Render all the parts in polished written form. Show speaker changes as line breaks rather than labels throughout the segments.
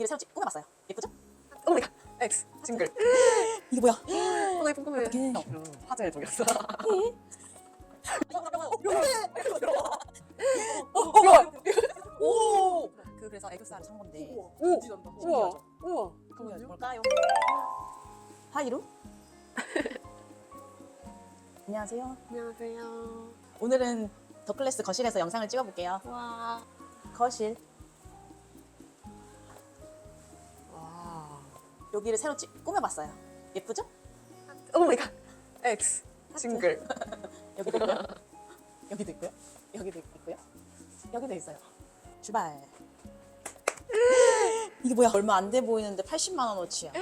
새로 꾸며봤어요. 예쁘죠?
오 마이 갓. X 징글.
이게 뭐야?
나 예쁜 꿈에.
어떡해.
화제의 종이었어.
오! 그래서 애교살을 산 건데.
오.
신기하죠?
우와.
신기하죠?
우와.
그러면 뭘까요? 하이루? 안녕하세요.
안녕하세요.
오늘은 더클래스 거실에서 영상을 찍어볼게요.
와.
거실.
와.
여기를 새로 꾸며봤어요. 예쁘죠?
오 마이 갓. X 징글.
여기도 있고요. 여기도 있고요. 여기도 있고요. 여기도 있어요. 출발. 이게 뭐야? 얼마 안 돼 보이는데 80만 원어치야.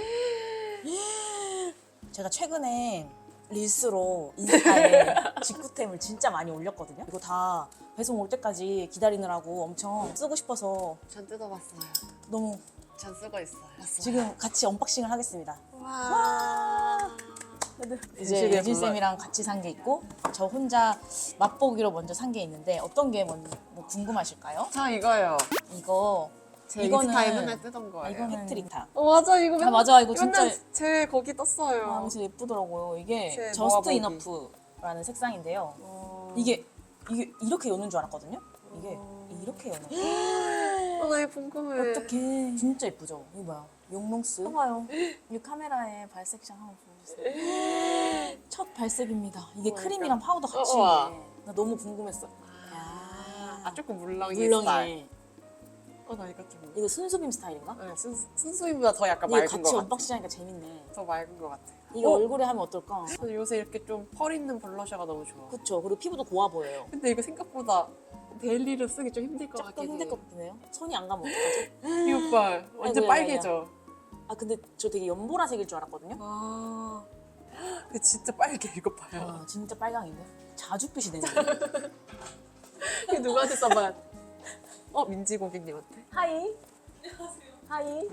제가 최근에 릴스로 인스타에 직구템을 진짜 많이 올렸거든요. 이거 다 배송 올 때까지 기다리느라고 엄청 쓰고 싶어서
전 뜯어봤어요.
너무
전 쓰고 있어요.
지금 같이 언박싱을 하겠습니다.
와.
이제 예진쌤이랑 같이 산 게 있고 저 혼자 맛보기로 먼저 산 게 있는데 어떤 게 뭐 궁금하실까요?
저 이거요.
이거
제
이거는-
인스타에 맨날 뜨던 거예요.
이거는 팩트릭타.
맞아 이거 맨날,
맞아, 이거 진짜-
맨날 제 거기 떴어요.
아, 진짜 예쁘더라고요. 이게
제
저스트
모아보기.
이너프라는 색상인데요. 이게 이렇게 여는 줄 알았거든요. 이게 이렇게 여는 거.
나 예쁜 꿈에.
어떡해. 진짜 예쁘죠? 이거 뭐야? 용롱스. 봐봐요. 이 카메라에 발색샷 한번 보여주세요. 첫 발색입니다. 이게 크림이랑 파우더 같이
우와.
있네. 나 너무 궁금했어.
아 조금 물렁이
물렁해.
나 이거 좀.
이거 순수빔 스타일인가?
네, 순수임보다 더 약간
이거
맑은
같이
것 같아.
언박싱 하니까 재밌네.
더 맑은 것 같아.
이거 얼굴에 하면 어떨까?
저는 요새 이렇게 좀 펄 있는 블러셔가 너무 좋아.
그쵸. 그리고 피부도 고와 보여요.
근데 이거 생각보다 데일리로 쓰기 좀 힘들 것
조금
같긴 해.
힘들 것 같네요. 손이 안 가면 어떡하지?
이 오빠 완전
아이고야,
빨개져.
아 근데 저 되게 연보라색일 줄 알았거든요.
아, 근데 진짜 빨개 이거 봐요.
와 진짜 빨강인데? 자줏빛이 되네.
이게 누구한테 써봐? 민지 고객님한테.
하이. 하이.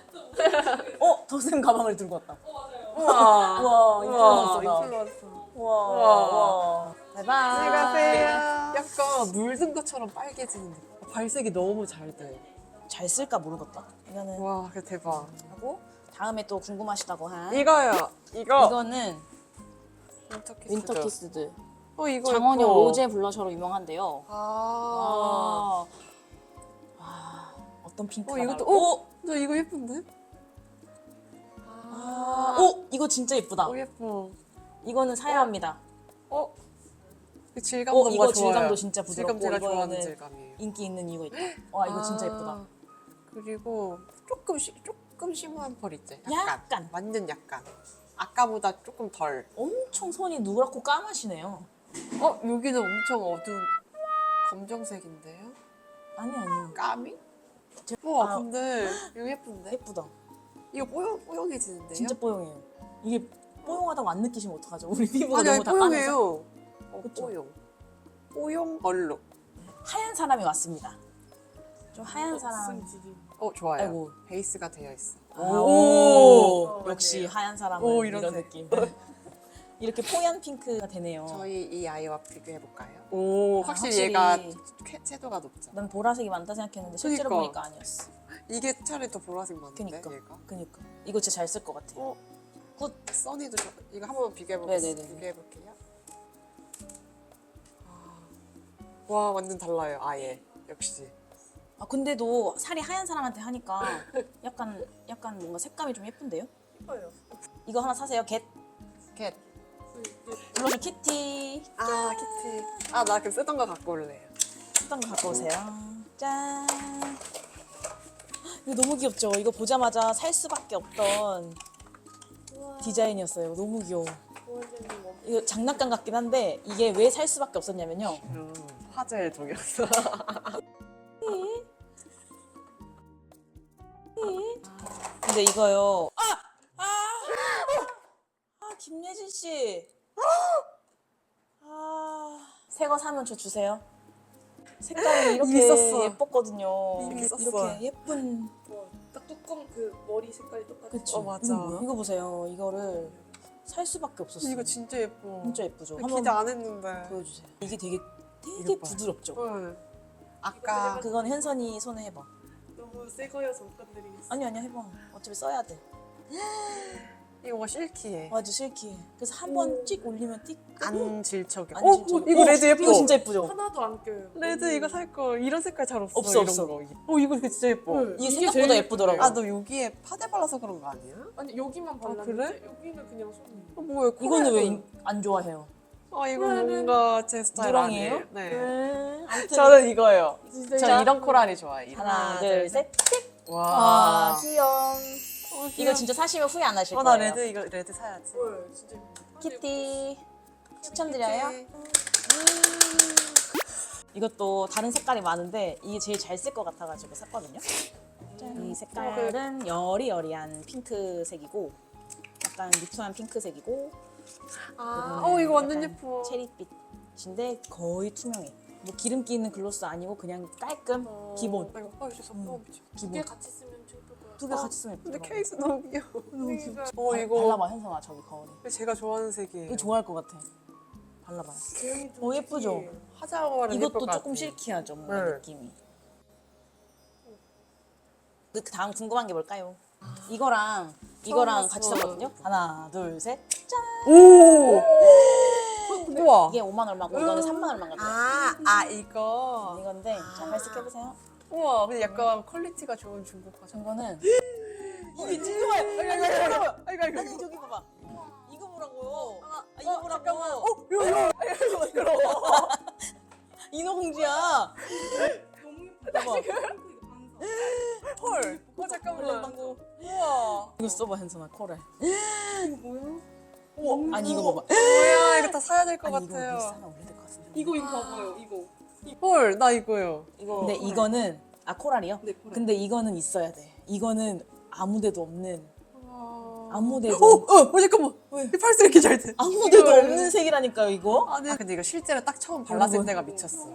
더샘 가방을 들고 왔다.
우와.
우와 인플루언서다.
인플루언서.
우와.
우와.
우와. 바이바이.
안녕하세요. 약간 물든 것처럼 빨개지는 느낌. 발색이 너무 잘 돼.
잘 쓸까 모르겠다. 이거는
와, 그 대박.
하고 다음에 또 궁금하시다고 한
이거요. 이거.
이거는
윈터키스죠.
윈터키스드.
이거
장원영
예뻐.
로제 블러셔로 유명한데요.
아.
와, 어떤 핑크가
이것도
나올까?
저 이거 예쁜데?
이거 진짜 예쁘다.
예뻐.
이거는 사야 합니다.
그 질감도
이거
뭔가
질감도
좋아요.
진짜
질감
부드럽고
제가 좋아하는
이거는
질감이에요.
인기 있는 이거 있다. 와 이거 진짜 예쁘다.
그리고 조금 심한 펄 있지?
약간.
완전 약간. 아까보다 조금 덜.
엄청 손이 누렇고 까마시네요.
여기는 엄청 어두운 검정색인데요?
아니요.
까미?
제-
우와,
아.
근데 이거 예쁜데?
예쁘다.
이거 뽀용해지는데요?
진짜 뽀용해요. 이게 뽀용하다고 안 느끼시면 어떡하죠? 우리 피부가
아니,
너무 다 까매서.
뽀용해요.
그쵸?
뽀용 얼룩.
하얀 사람이 왔습니다. 좀 하얀 사람.
좋아요.
아이고.
베이스가 되어 있어.
오,
맞네요.
역시 하얀 사람은
오,
이런
이런 색.
느낌. 이렇게 뽀얀 핑크가 되네요.
저희 이 아이와 비교해볼까요? 오, 확실히
확실히.
얘가 채도가 높죠.
난 보라색이 많다 생각했는데 실제로
그니까.
보니까 아니었어.
이게 차라리 더 보라색 맞는데,
그니까.
얘가?
그니까. 이거 진짜 잘 쓸 것 같아요.
굿. 써니도 이거 한번 비교해볼게요.
네네네.
비교해볼게요. 와, 완전 달라요, 아예. 역시.
근데도 살이 하얀 사람한테 하니까 약간 뭔가 색감이 좀 예쁜데요? 이거 하나 사세요. 겟.
캣.
블러셔 키티.
키티. 나 그럼 쓰던 거 갖고 올래요.
쓰던 거 갖고 오세요. 짠. 이거 너무 귀엽죠? 이거 보자마자 살 수밖에 없던 디자인이었어요. 너무 귀여워. 이거 장난감 같긴 한데 이게 왜 살 수밖에 없었냐면요.
화제의 종이었어.
근데 이거요. 김예진 씨. 새 거 사면 저 주세요. 색깔이
이미
이렇게
썼어.
예뻤거든요.
이미 썼어.
이렇게 예쁜.
딱 뚜껑 그 머리 색깔이 똑같아.
그쵸?
맞아.
이거 뭐야? 이거 보세요. 이거를 살 수밖에 없었어요.
이거 진짜 예뻐.
진짜 예쁘죠?
기대
한번
안 했는데.
보여주세요. 이게 되게
이거 봐.
부드럽죠?
응. 아까
그건 현선이 손에 해봐.
너무 너무 새 거여서 못 건드리겠어.
아니 아니야 해봐. 어차피 써야 돼.
이거 뭐 실키해.
맞아 실키해. 그래서 한 번 찍 올리면 띡.
안 질척해.
안
어,
질척해.
이거 레드 예뻐.
이거 진짜 예쁘죠?
하나도 안 껴요.
레드 이거 살 거. 이런 색깔 잘 없어.
없어,
이런
없어.
거. 이거 진짜 예뻐.
네.
이게
이게
생각보다
제일
예쁘더라고.
아, 너 여기에 파데 발라서 그런 거 아니야?
아니 여기만 발랐는데
그래?
여기는 그냥 손.
뭐야?
이거는 왜
코랄은.
안 좋아해요?
아, 이거 뭔가 제 스타일
누렁이에요?
아니에요? 네.
아무튼
저는 이거예요.
진짜
저 이런 코랄이 좋아해요.
하나 둘 셋.
와.
아 귀여워. 이거 진짜 사시면 후회 안 하실
나
거예요.
레드 이거 레드 사야지.
헐 진짜 예쁘다.
키티 추천드려요. 이것도 다른 색깔이 많은데 이게 제일 잘 쓸 것 같아가지고 샀거든요. 짠. 이 색깔은 여리여리한 핑크색이고 약간 누트한 핑크색이고
아,
이거는
이거 완전
약간
예뻐.
체리빛인데 거의 투명해. 뭐 기름기 있는 글로스 아니고 그냥 깔끔 기본.
나 이거 진짜 미쳐.
두개
기본.
같이 쓰면 좀 예쁠 것 같아.
두 개 같이 쓰면
근데
예쁘더라고.
케이스 너무 귀여워.
그러니까
이거
발라봐 현성아 저기 거울에.
제가 좋아하는 색이에요.
이거 좋아할 것 같아. 발라봐요.
제형이 좀
예쁘죠?
특이해.
화장하고 바르면 예쁠
이것도
것
조금
같아.
실키하죠 뭔가
네.
느낌이. 그 다음 궁금한 게 뭘까요? 이거랑 이거랑 같이
봤어.
샀거든요. 하나 둘 셋. 짠.
오! 우와.
이게 5만 얼마고 이거는 3만 얼마인 거예요.
이거.
이건데 자 발색해 보세요.
우와, 근데 약간 퀄리티가 좋은 중국 화장.
이거는
이게 진짜 아이고.
아니 저기 봐봐. 이거 보라고요. 이거 보라고.
잠깐만. 이거.
인어공주야.
너무 예쁘다.
봐봐.
이거 반사.
헐. 잠깐만.
방구.
우와.
이거 써봐 현선아 코랄.
이거 뭐야?
우와. 아니 이거 봐봐.
뭐야, 이거 다 사야 될 것
아니 이거
같아요.
비싸나 오래될 것 같은데.
이거 봐봐요. 이거.
헐, 나 이거요.
이거.
근데 이거는 코랄이요?
네, 코랄.
근데 이거는 있어야 돼. 이거는 아무데도 없는 아무데도
잠깐만.
왜?
이 팔색 이렇게 잘 돼.
아무데도
이거를.
없는 색이라니까요 이거?
근데 이거 실제로 딱 처음 발랐을
여러분.
때가 미쳤어.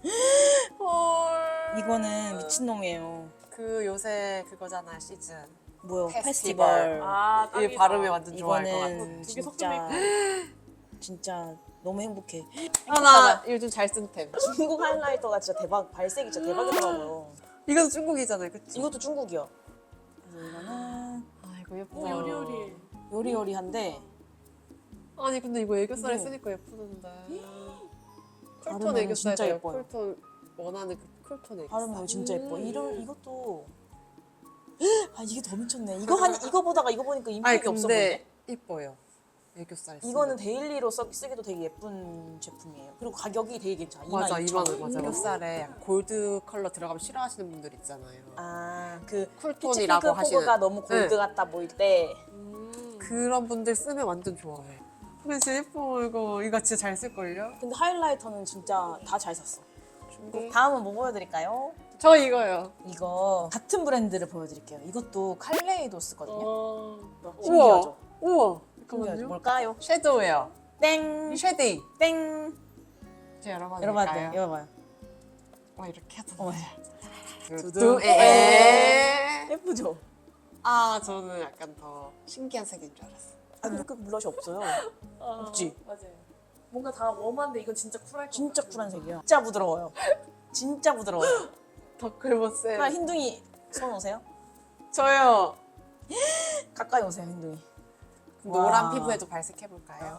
헐.
이거는 미친놈이에요.
그 요새 그거잖아, 시즌.
뭐요?
페스티벌.
페스티벌.
아,
이
딱이다.
발음이 완전 좋아할 것 같아.
이거는
두개
진짜 진짜 너무 행복해.
나 요즘 잘 쓴 템.
중국 하이라이터가 진짜 대박. 발색이 진짜 대박이더라고요.
이것도 중국이잖아요, 그치?
이것도 중국이요. 그래서 이거는
이거 예쁘다.
오, 요리요리.
요리요리한데
아니 근데 이거 애교살에
네.
쓰니까 예쁘던데. 쿨톤
바르면
애교살
진짜 예뻐요.
쿨톤 원하는 그 쿨톤 애교살.
바르면 진짜 예뻐. 이것도 이게 더 미쳤네. 이거 보다가 이거 보니까 인기가 없어 보이네.
이뻐요. 애교살.
이거는 데일리로 쓰기도 되게 예쁜 제품이에요. 그리고 가격이 되게 괜찮아.
맞아
22,000원.
2만 원 맞아. 애교살에 약간 골드 컬러 들어가면 싫어하시는 분들 있잖아요.
그
쿨톤이라고
피치핑크
하시는.
포그가 너무 골드
네.
같다 보일 때
그런 분들 쓰면 완전 좋아해. 근데 진짜 예뻐 이거 진짜 잘 쓸걸요?
근데 하이라이터는 진짜 다 잘 샀어.
중국.
다음은 뭐 보여드릴까요?
저 이거요.
이거 같은 브랜드를 보여드릴게요. 이것도 칼레이도스거든요. 신기하죠?
우와.
신기하죠?
잠깐만요.
뭘까요?
섀도우예요.
땡!
이 쉐딩.
땡!
제가 열어봐도
열어봐도
될까요?
돼요. 열어봐요.
이렇게 하다
어머.
두두 에.
예쁘죠?
저는 약간 더 신기한 색인 줄 알았어.
근데 그 블러셔 없어요. 없지?
맞아요. 뭔가 다 웜한데 이건 진짜 쿨할 것
진짜
같아.
쿨한 색이에요. 진짜 부드러워요. 진짜 부드러워요.
더클보세.
그럼 흰둥이 손 오세요.
저요.
가까이 오세요, 흰둥이.
노란
와.
피부에도 발색해볼까요?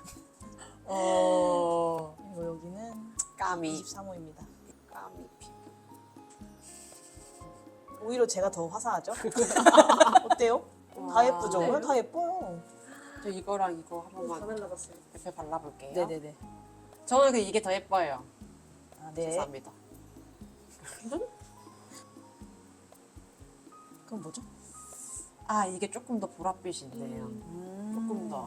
그리고 여기는
까미.
23호입니다.
까미 피부.
오히려 제가 더 화사하죠? 어때요? 다 예쁘죠?
네.
다 예뻐요.
저 이거랑 이거 한
다
번만
날라갔어요.
옆에 발라볼게요.
네네네.
저는 이게 더 예뻐요.
네.
죄송합니다.
그럼 뭐죠?
이게 조금 더 보랏빛인데요. 조금 더.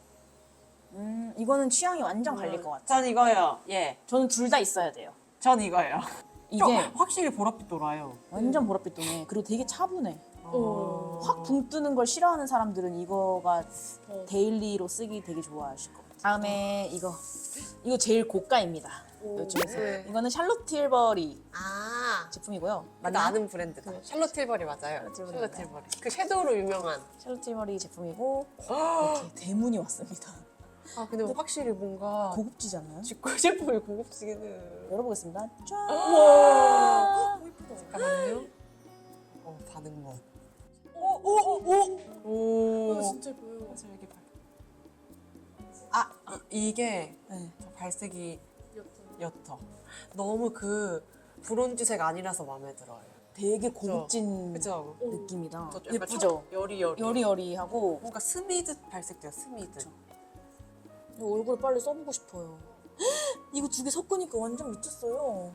이거는 취향이 완전 갈릴 것 같아요.
전 이거요. 예.
저는 둘 다 있어야 돼요.
전 이거요.
이게
확실히 보랏빛 돌아요.
완전 보랏빛 동해. 그리고 되게 차분해.
오.
확 붕 뜨는 걸 싫어하는 사람들은 이거가
어.
데일리로 쓰기 되게 좋아하실 것 같아요. 다음에 이거 제일 고가입니다.
오.
요즘에서.
네.
이거는 샬롯 tilbury
아.
제품이고요.
나 아는 브랜드다. 샬롯 tilbury 맞아요.
샬롯 tilbury
샬롯
맞아요.
tilbury. 그 섀도우로 유명한.
샬롯 tilbury 제품이고 이렇게 대문이 왔습니다.
근데 확실히 뭔가
고급지지 않나요?
직구 제품이 고급지기는.
열어보겠습니다. 짠!
우와. 잠깐만요. 반응 멋.
오오오
오.
진짜 예뻐요.
여기 발. 아, 이게
네.
저 발색이
옅어.
옅어. 너무 그 브론즈색 아니라서 마음에 들어요.
되게 고급진
그죠?
느낌이다.
저 약간
예쁘죠?
여리여리.
여리여리하고
뭔가 스미드 발색돼요. 스미드.
얼굴 빨리 써보고 싶어요. 이거 두 개 섞으니까 완전 미쳤어요.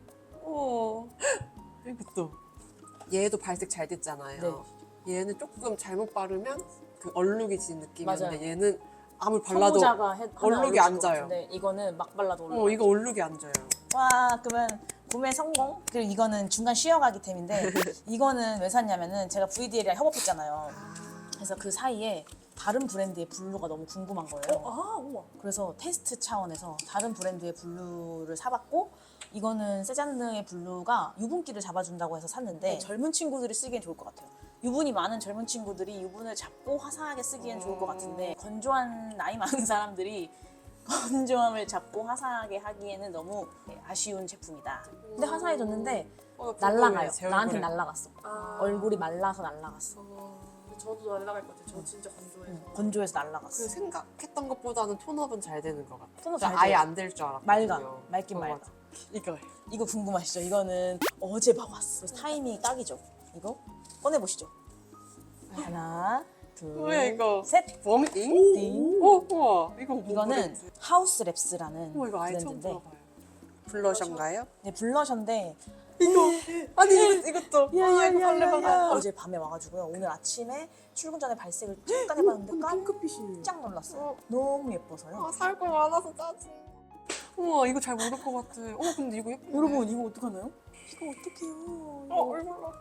이것도. 얘도 발색 잘 됐잖아요. 얘는 조금 잘못 바르면 그 얼룩이진 느낌인데
맞아요.
얘는 아무리 발라도
선모자가
얼룩이 안 져요.
근데 이거는 막 발라도 얼룩.
이거 얼룩이 안 져요.
와, 그러면 구매 성공. 그리고 이거는 중간 쉬어가기 템인데 이거는 왜 샀냐면은 제가 VDL이랑 협업했잖아요. 그래서 그 사이에 다른 브랜드의 블루가 너무 궁금한 거예요.
우와.
그래서 테스트 차원에서 다른 브랜드의 블루를 사봤고 이거는 세잔느의 블루가 유분기를 잡아준다고 해서 샀는데 젊은 친구들이 쓰기엔 좋을 것 같아요. 유분이 많은 젊은 친구들이 유분을 잡고 화사하게 쓰기엔 좋을 것 같은데 건조한 나이 많은 사람들이 건조함을 잡고 화사하게 하기에는 너무 아쉬운 제품이다. 근데 화사해졌는데 날라가요. 나한테 날라갔어. 얼굴이 말라서 날라갔어.
저도 날라갈 것 같아요. 저 진짜 건조해서.
건조해서 날라갔어.
그 생각했던 것보다는 톤업은 잘 되는 것 같아요.
톤업
나
잘
아예
돼요.
안 될 줄 알았거든요.
맑아. 맑긴 맑아.
맞아. 이거.
이거 궁금하시죠? 이거는 어제 봐왔어. 그래서 타이밍이 딱이죠. 이거 꺼내보시죠. 하나, 둘,
뭐야 이거?
셋.
웜잉?
띵.
우와. 이거 뭐
이거는
브랜드?
하우스 랩스라는
이거 아예 처음
브랜드인데
들어봐요. 블러셔인가요?
네, 블러셔인데
아니 이것도. 이거 발레방아.
어제 밤에 와가지고요. 오늘 아침에 출근 전에 발색을 잠깐 해봤는데 깜짝 놀랐어요. 너무 예뻐서요.
살 거 많아서 짜증. 우와 이거 잘 모를 것 같아. 근데 이거 예쁜데.
여러분 이거 어떡하나요? 이거 어떡해요? 이거.
얼굴로.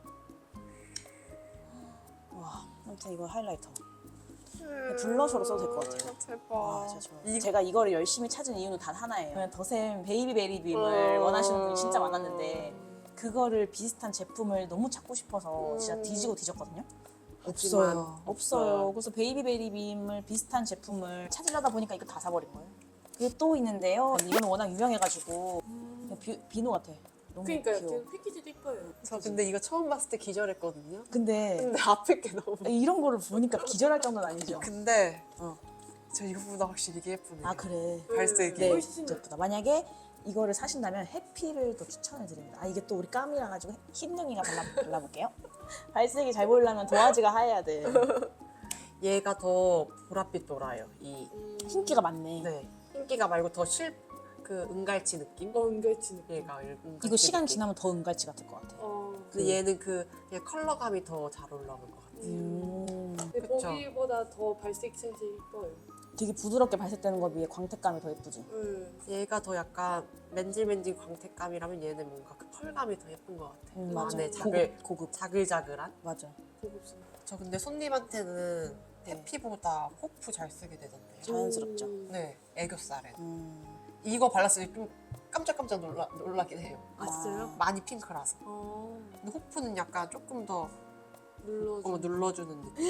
와, 아무튼 이거 하이라이터. 블러셔로 써도 될 것 같아요.
제발.
제가 이거를 열심히 찾은 이유는 단 하나예요. 그냥 더샘 베이비베리빔을 원하시는 분이 진짜 많았는데 그거를 비슷한 제품을 너무 찾고 싶어서 진짜 뒤지고 뒤졌거든요.
없어요.
없어요. 그래서 베이비베리빔을 비슷한 제품을 찾으려다 보니까 이거 다 사버린 거예요. 그게 또 있는데요. 이거는 워낙 유명해가지고 비누 같아. 너무
그러니까요.
귀여워.
그 패키지도 예뻐요.
저 근데 이거 처음 봤을 때 기절했거든요.
근데
앞에 게 너무.
이런 거를 보니까 기절할 정도는 아니죠.
근데
어.
저 이거보다 확실히 이게 예쁘네요.
아 그래.
발색이.
네,
훨씬
진짜 예쁘다. 만약에 이거를 사신다면 해피를 또 추천해 드립니다. 아 이게 또 우리 까미라 가지고 흰둥이가 발라볼게요. 발색이 잘 보이려면 도화지가 하얘야 돼.
얘가 더 보랏빛 돌아요. 이
흰기가 많네.
네. 흰기가 말고 더 그 은갈치 느낌?
은갈치 느낌.
얘가 은갈치
이거 시간
느낌.
지나면 더 은갈치 같을 것 같아.
근데 얘는 그냥 컬러감이 더 잘 올라오는 것 같아요.
근데
그쵸.
거기보다 더 발색 센스 예뻐요.
되게 부드럽게 발색되는 거 비해 광택감이 더 예쁘지.
얘가 더 약간 맨질맨질 광택감이라면 얘는 뭔가 그 펄감이 더 예쁜 것 같아요.
맞아.
안에
고급.
자글자글한.
맞아.
고급스러워.
저 근데 손님한테는 해피보다 호프 잘 쓰게 되던데요.
자연스럽죠.
네, 애교살에. 이거 발랐을 때 좀 깜짝깜짝 놀라긴 해요.
아 진짜요?
많이 핑크라서.
어.
근데 호프는 약간 조금 더
눌러줘.
눌러주는 느낌.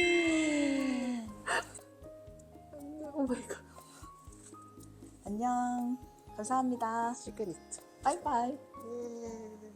오 마이 갓.
안녕. 감사합니다.
시그니처.
바이바이.
예.